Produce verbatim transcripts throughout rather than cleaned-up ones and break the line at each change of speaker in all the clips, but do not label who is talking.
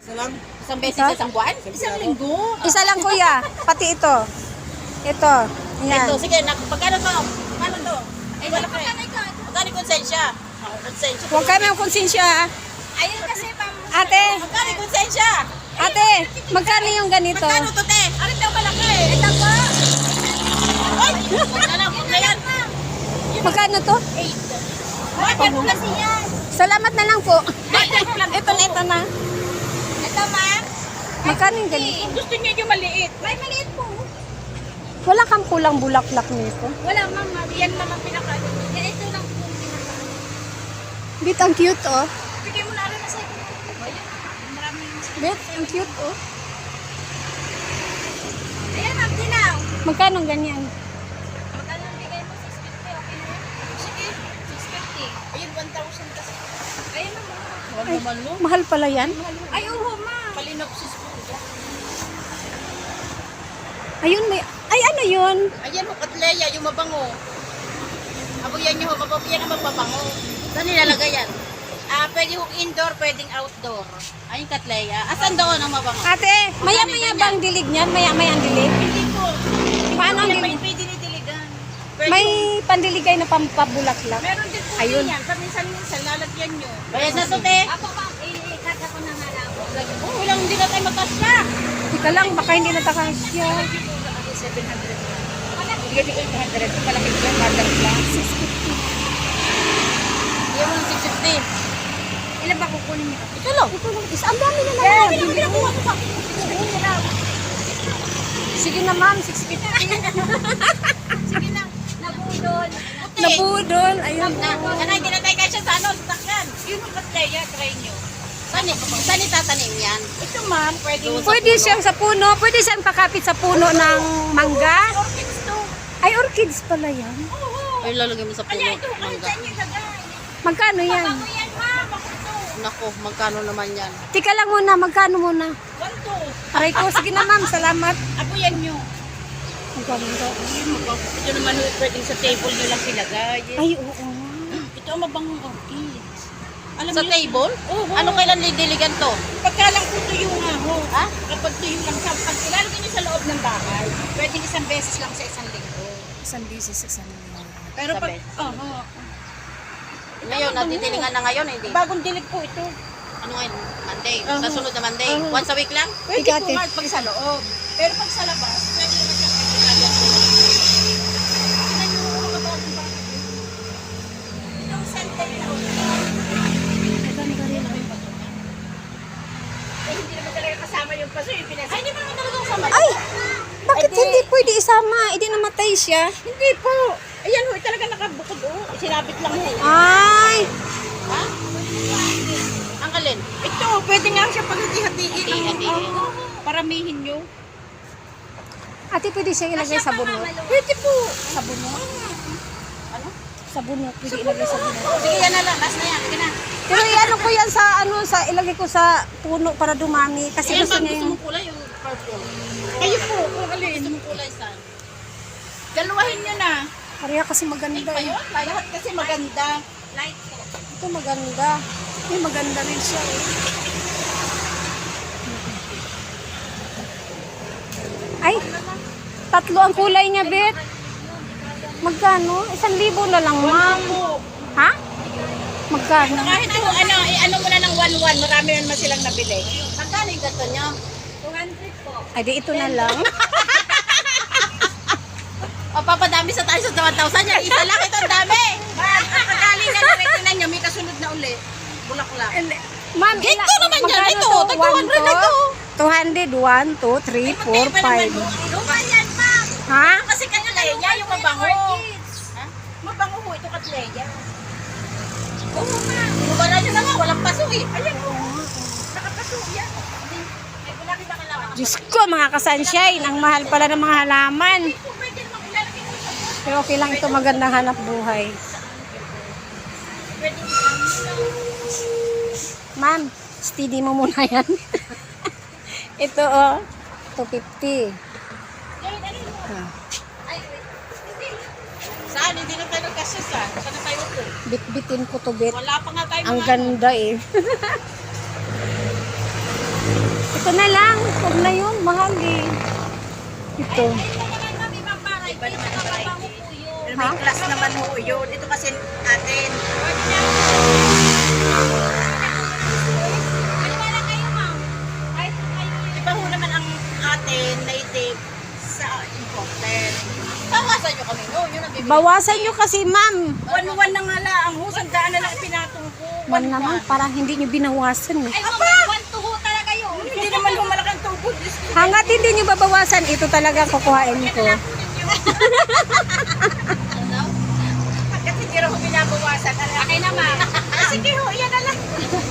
Isa lang?
Isang beses
Ito?
sa isang buwan? Isang linggo.
Isa lang kuya, pati ito. Ito. Yan.
Ito, sige, nak pagkano to? Pagkano to? Ay, wala ka eh. Magkano yung konsensya? Ako, konsensya.
Huwag kayo ng konsensya. ah.
Ayun kasi, ma'am.
Ate,
Magkano yung konsensya?
ate, magkano yung ganito?
Magkano to, te? Ano daw malaki? Ito po. Ay! Huwag na lang, huwag na yan.
Magkano to?
Eight. Bakit mo kasi yan?
Salamat na lang po.
Bakit lang
Ito na, ito na.
Ito, ma'am.
Magkano yung ganito?
Gusto niyo yung maliit? May maliit po.
Wala kang kulang bulaklak nito.
Wala, ma'am. Yan naman pinaka. Yan, ito lang po pinaka.
Bit, ang cute oh.
Bigay mo na rin na sa'yo. Maraming.
Bit, ang cute oh.
Ayan, ma'am, dinaw.
Magkano ang ganyan?
Magkano ang bigay mo? six fifty, okay na yan? Sige, six fifty. Ayun, one thousand kasi. Ayun, ma'am. Huwag naman, no?
Mahal pala yan.
Ay, oo, ma'am. Palinopsis po.
Ayun, may... Ay, ano yun?
Ayan, ho, katleya, yung mabango. Abo yan yung mabango. Yan ang mapabango. Saan nilalagay yan? Ah, pwede hong indoor, pwedeng outdoor. Ay, yung katleya. Asan doon ang mabango?
Ate, maya-maya ba ang dilig niyan? Maya-maya ang dilig?
Hindi po.
Paano ang
May,
dilig?
may dinidiligan. Pwede
May
hong-
pandiligay na pampabulaklak.
Meron din po
Ayun.
yan. Paminsan-minsan, lalagyan nyo. Bayad na to, te. Ako, ma'am. Ikata ko na nga lang. Oh, walang hindi na tayo magkasya.
Ika lang, baka hindi natakasya.
seven hundred. Bigyan ko eight hundred. Malaki ko yung mother lang.
six fifty.
Bigyan mo ng six fifty. Ilan ba kukunin niyo?
Ito lang. Ito lang. Is, ang dami na
Eh,
naman.
bilang bilang kuha ko pa.
Sige na ma'am, six fifty.
Sige na. Nabudol.
Nabudol. Ayun.
Na, ano, hindi na tayo kasya sa ano, sa takyan. Yun ang katleya, try nyo. Saan, saan itatanim yan? Ito ma'am, pwede mo sa
Pwede
puno.
siyang sa puno. Pwede siyang pakapit sa puno ng mangga.
Orchids to.
Ay, orchids pala yan.
Oo.
Ay, lalagay mo sa puno.
Kaya ito, ano
Mangga.
dyan yung lagay?
Magkano yan?
Bago yan ma'am, ako to.
Nako, magkano naman yan?
Tika lang muna, magkano muna?
One two.
Aray ko, sige na ma'am, salamat.
Ako yan nyo.
Ang ganda.
Ito naman pwedeng sa table nyo lang ilagay.
Ay, oo.
Ito ang mabangong orchids. Alam
Sa
niyo-
table?
Oo.
Ano kailan didiligan to?
Pagka lang po tuyo nga ho.
Ha?
Kapag tuyo lang sa pag ilalagay niyo sa loob ng bahay, pwedeng isang beses lang sa isang linggo.
Isang beses, isang
Pero
Sa
pag,
beses.
oo.
Ngayon, natitilingan na ngayon, hindi.
Bagong dilig po ito.
Ano ngayon? Monday.
Uh-huh.
Sa sunod na Monday.
Uh-huh.
Once a week lang?
Pwede
Ikaw,
po
ate.
nga pag sa loob. Pero pag sa labas, pwede naman siyang pagkakalan. Tingnan niyo kung mga bagong bagay. Itong scented na eh, hindi naman talaga kasama yung paso, yung pinasa. Ay, hindi mo naman talaga kasama.
Ay! Bakit
Ay, di-
hindi pwede isama? Hindi namatay siya.
Hindi po. Ayan ho, talaga nakabukod oh. Sinabit lang ho.
Ay!
Ha? Ang alin?
Ito, pwede nga siya paghati-hatiin.
Hati-hatiin.
Oo, paramihin nyo.
Ate, pwede siya ilagay sa bunot.
Pwede po.
Sa bunot?
Ano?
Sa bunot. Pwede ilagay sa bunot.
Sige, yan na lang. Last na yan. Sige na.
Pero iano ko yan sa ano, sa ilagay ko sa puno para dumami. Kasi
Ayan,
gusto
pag
niya
gusto
yung...
mong kulay, yung purple.
Kayo po, kung
Gusto
alin.
mong kulay saan?
Dalawahin nyo na.
Pareha kasi maganda eh.
Ayun, lahat kasi maganda. Light po.
Ito maganda. Ay, maganda rin siya eh. Ay, tatlo ang kulay niya, Bet. Magkano? Isang libo na lang, ma'am.
Po.
Ha? Magkano?
Kahit po, ano, eh, ano mo na ng one one, marami naman silang nabili.
Magkano yung gato niya?
two hundred po.
Ay, di ito na lang.
O, papadami sa tayo sa one thousand yan. Isa lang, ito ang dami.
Ma'am, kakagaling na nire-tinan nyo, may kasunod na uli. Bulaklak.
Ma'am,
Ito
ila-
naman yan.
magkano
Ito,
to?
tag
One
two hundred na
to?
ito.
two hundred, one, two, three, four, five.
Luma yan, ma'am.
Ha?
Kasi katleya, yung mabango. Ha? Mabango ho, ito katleya. Oo, ma'am.
Bumara nyo na nga, walang paso eh.
Ayan po. Nakapaso yan. Ay, wala kita kailangan.
Diyos ko, mga kasunshine. Ang mahal pala ng mga halaman.
Po, pwede naman ilalagay mo sa box.
Pero okay lang ito, magandang hanap buhay.
Pwede
Ma'am, steady mo muna yan. Ito oh, two fifty.
Ay, ano mo?
Ah,
Ay, wait. Hindi. Saan? Hindi na tayo nagkasya saan? Saan na tayo po?
bit-bitin ko to bit.
Wala pa nga tayo
Ang
mga ano.
ganda eh. Ito na lang. Huwag na yun. Mahal eh. Ito.
Iba naman variety. Pero
Ha?
may class naman ho yun. Ito kasi atin. Iba ho naman ang atin, native, sa imported. Tawasan nyo kami no? Yun ang bibili.
Bawasan nyo kasi, ma'am.
One-one na nga lang. Ang husang daan na lang pinatong ko.
Man naman, parang hindi nyo binawasan eh.
Hindi naman ho malaking tubo. Diyos ko.
Hangat hindi nyo babawasan, ito talaga kukuhain ko.
Kasi hindi rin ho binabawasan. Okay naman. Sige ho, yan na lang.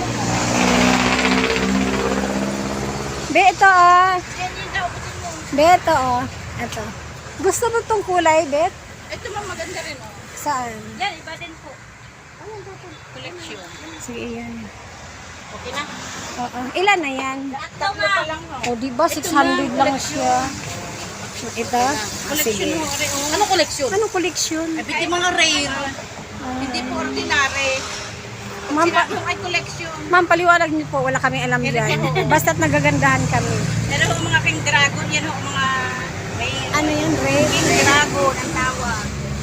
Be, ito oh.
Yan yun daw. Butin mo.
Be, ito oh. Ito. Gusto mo itong kulay, Bet?
Ito ma'am, maganda rin oh.
Saan?
Yan, iba din po. Collection.
Sige, yan.
Okay na.
Oo. Ilan na yan?
Tatlo pa lang ho.
O, diba? six hundred lang siya. Ito? Ah,
Collection
sige.
ho. rin, oh. Ano collection?
Anong collection?
Ay, hindi mga rare.
Ah.
Hindi po ordinary.
Ma'am, pa-
Sinabi ay collection.
ma'am, paliwanag niyo po. Wala kami alam dyan. Basta't nagagandahan kami.
Yan ho mga king dragon. Yan ho mga may
Ano yan, Red?
king dragon ang tawag.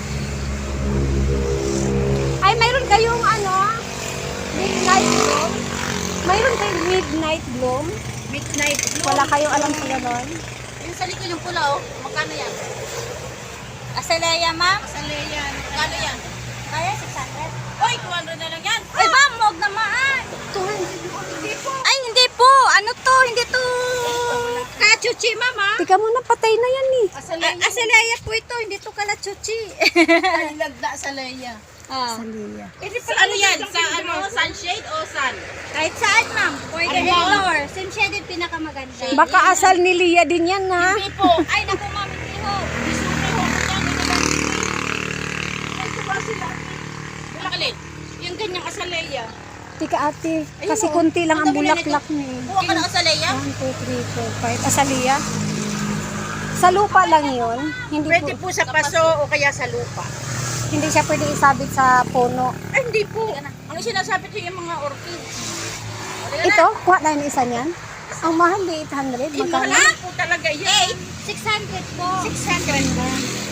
Ay, mayroon kayong ano? Midnight bloom? Mayroon kayong midnight bloom?
Midnight blue.
Wala kayong alam sa ganon?
Yung sa likod yung pula oh. Magkano yan?
Asaleya, ma'am?
Sa leyan. Magkano yan?
Kaya six hundred.
Oy, two hundred na lang yan.
Ay, ma'am, huwag naman.
Hindi po.
Ay, hindi po. Ano to? Hindi to. Kachuchi, ma'am, ha?
Tika muna, patay na yan eh.
Asaleya.
Asaleya po ito. Hindi to kalachuchi.
Ay, lagda sa leya.
Ah.
Salia.
Sa ano yan? Sa ano? Sunshade o sun?
Kahit saan, ma'am. Pwede
Ano
ano
yan?
floor. Sim-shaded pinakamaganda.
Baka asal ni Lia din yan ha.
Hindi po.
Ay, naku, ma'am. Hindi ho.
Isuke ho. Magkano na lang? Ay, diba sila? Bulakalin. Yung ganyang asaleya.
Tika ate,
Ayun,
kasi
oh.
konti lang ang
Ang dami na
bulaklak niya eh.
Kuha ka ng asaleya?
one, two, three, four, five. Asalia? Sa lupa lang yun. Hindi
Pwede
po,
po sa paso o kaya sa lupa.
hindi siya pwede isabit sa puno.
Ay, hindi po. Ang sinasabi ko yung mga orchids.
Ito, kuha tayo ng isa niyan. Ang mahal di eight hundred.
Yung
Magkano?
mahal po talaga yan.
six hundred po.
six hundred na.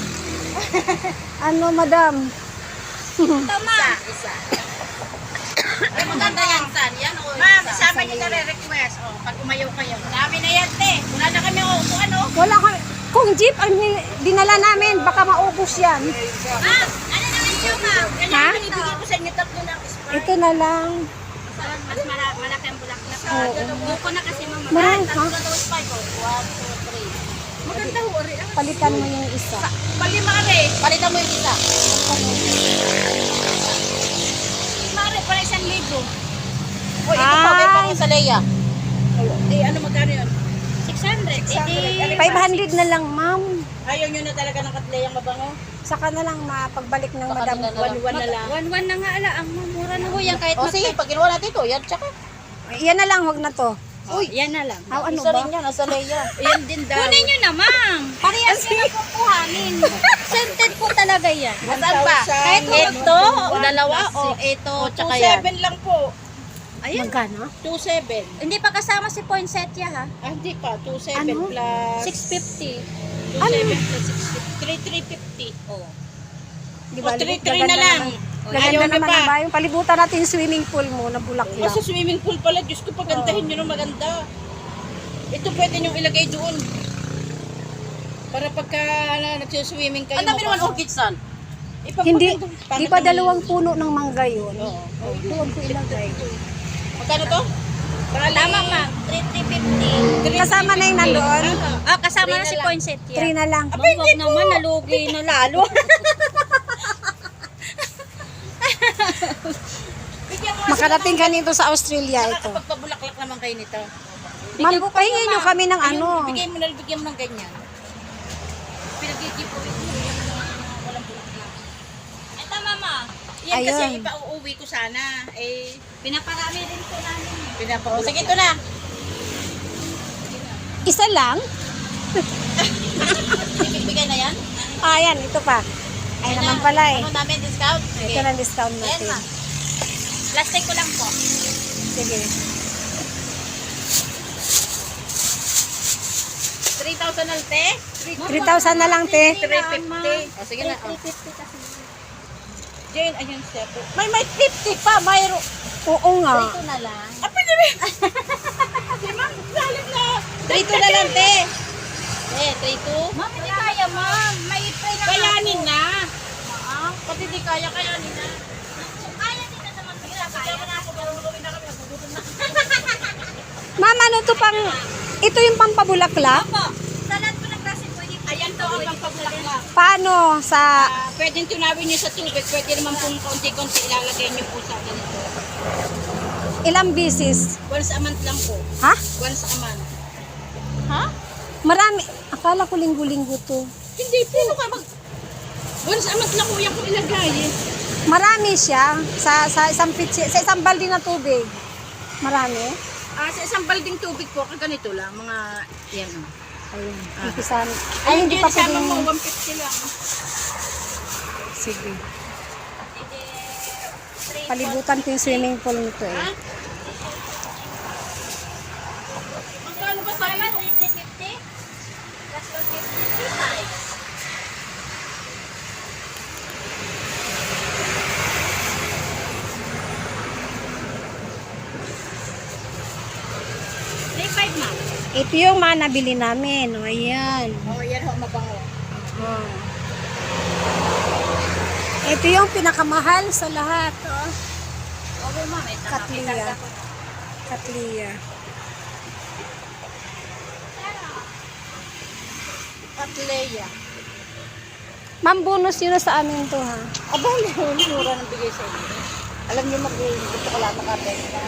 Ano, madam?
Ito,
Isa,
ma'am.
isa. Ay, maganda yan, San. Yan o. Ma'am, isama niyo na re-request. O, pag umayaw kayo. Dami na yan, te. Wala na kami o kung ano.
Wala ka. Kung jeep ang hin- dinala namin, baka maubos yan.
Ma'am, ano naman siya, ma'am?
Ha?
Kailangan binibigay ko sa inyo tatlo ng Sprite.
Ito na lang.
Mas mala- malaki ang bulaklak.
Oo.
Buko na kasi, ma'am.
Marami,
Tatlo
ha?
na daw Sprite. O, one, two, three. Maganda ho, Ari. Ah.
Palitan mo yung isa.
Palima, Ari. Palitan mo yung isa. Mare, para isang libo. O, ito pa, meron pa
Ay.
ko sa Leia. Eh, ano magkano yun?
six hundred.
six hundred.
Edi,
five hundred na lang, ma'am.
Ayaw nyo na talaga ng katleyang mabango?
Saka na lang mapagbalik ng
Saka
madam.
na lang. One-one na lang.
one-one na nga ala. Ang mura na ho yan kahit
O
mag-
sige, pag ginawa natin ito, yan, tsaka.
Yan na lang, wag na to.
Uy, yan na lang.
Aw, ano
Isa
ba?
rin yan, nasa Leia. Yan din daw.
Kunin nyo na, ma'am. Parehas nyo na po kuhanin. Scented po talaga yan.
Saan pa?
Kahit
ito, o
one,
dalawa,
plus
o
six.
ito,
O,
tsaka
tsaka
yan. two seven lang po.
Ayun.
Magkano?
two seven.
Hindi pa kasama si poinsettia, ha?
Ah, hindi pa. two seven
Ano?
plus...
six fifty.
two seven plus six fifty. three three fifty.
Oh.
Di
O, three three
gaganda
na lang.
naman.
Ayaw
Gaganda
nyo
naman
pa.
ang bayan. Palibutan natin yung swimming pool mo na
O,
bulaklak.
sa swimming pool pala, Diyos ko, pagandahin nyo ng maganda. Ito pwede nyo ilagay doon. Para pagka na, nagsiswimming kayo. Ang dami naman orchids, son.
Hindi, di ba dalawang puno ng mangga yun?
Oo.
Oh, doon ko ilagay.
Magkano to?
Tama, ma'am. three fifty.
Kasama na yung nandoon?
Ah, kasama
Three
na
na
si
lang.
poinsettia.
Three na lang.
Ma'am, wag naman, nalugi na lalo.
Bigyan mo
Makarating ka nito sa Australia ito.
Nakakapagpabulaklak naman kayo nito.
Ma'am, pahingin nyo kami ng ano.
Ayun, bigyan mo na, bigyan mo ng ganyan. Pinagkikipawin mo. Bigyan mo ng mga walang bulaklak.
Ito, mama.
Yan kasi
Ayun.
ipauuwi ko sana. Eh,
Pinaparami rin po namin.
pinapauwi. Sige, ito na.
Isa lang?
Ibibigay na yan?
Ah, yan, ito pa. Ay
Yan
naman
na.
pala eh.
Ano namin discount? Sige.
Ito na discount
Ayan,
natin.
ma.
Plastic ko lang po.
Sige.
thousand na te?
three thousand na lang, te.
three fifty. O, sige na.
three fifty kasi.
Jane, ayun siya. May may fifty pa, mayroon.
Oo nga.
Ito na lang.
Ah, pwede ba? Di ma'am, lalim na. three two na lang, te. Eh, three two.
Ma'am, hindi kaya, ma'am. May pray na
Kayanin na. Pati di kaya, kayanin na.
Kaya din na naman. Kaya, kaya na ako.
Gawin na kami, nagugutom na.
Ma'am, ano to pang... Ito yung pampabulaklak?
Opo. Sa lahat po ng klase pwede po.
Ayan to ang pagpabulaklak.
Paano sa...
Ah, pwedeng tunawin nyo sa tubig. Pwede naman kung konti-konti ilalagay nyo po sa ganito.
Ilang bisis?
Once a month lang po.
Ha?
Once a month.
Ha?
Marami. Akala ko linggo-linggo to.
Hindi po. Ano ka mag... Once a month lang po yan kung ilagay eh.
Marami siya sa sa isang pitsi, sa isang balde na tubig. Marami.
Ah, sa isang balding tubig po, ganito lang. Mga, yan o.
Ayun.
Ah.
Umpisan.
Ay,
Ay, hindi pa
isama
pwedeng...
mo, one fifty lang.
Sige. Palibutan ko yung swimming pool nito eh.
Ha? Magkano ba sa'yo?
three fifty? Plus one fifty. three five.
three five ma'am.
Ito yung mga nabili namin. O, ayan.
Oo, yan ho, mabango.
Oh. Ito yung pinakamahal sa lahat. Oh.
Oo ma'am, ito.
Katlia. Katlia.
Katleya.
Ma'am, bonus yun na sa amin to ha.
Aba, mura ng bigay sa inyo. Alam niyo mag-gusto ko lang makabenta.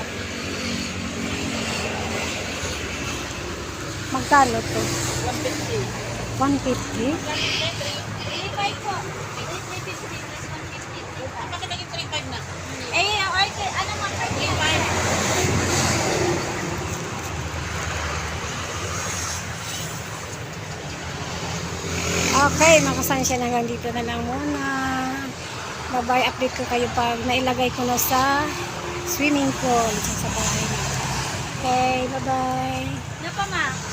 Magkano to?
one fifty.
one fifty?
three five po. three fifty plus one fifty.
Bakit naging three five na?
Eh, order, ano mo,
three five.
Okay, makasansya na hanggang dito na lang muna. Bye-bye, update ko kayo pag nailagay ko na sa swimming pool sa sa bahay. Okay, bye-bye.
Ano pa, ma?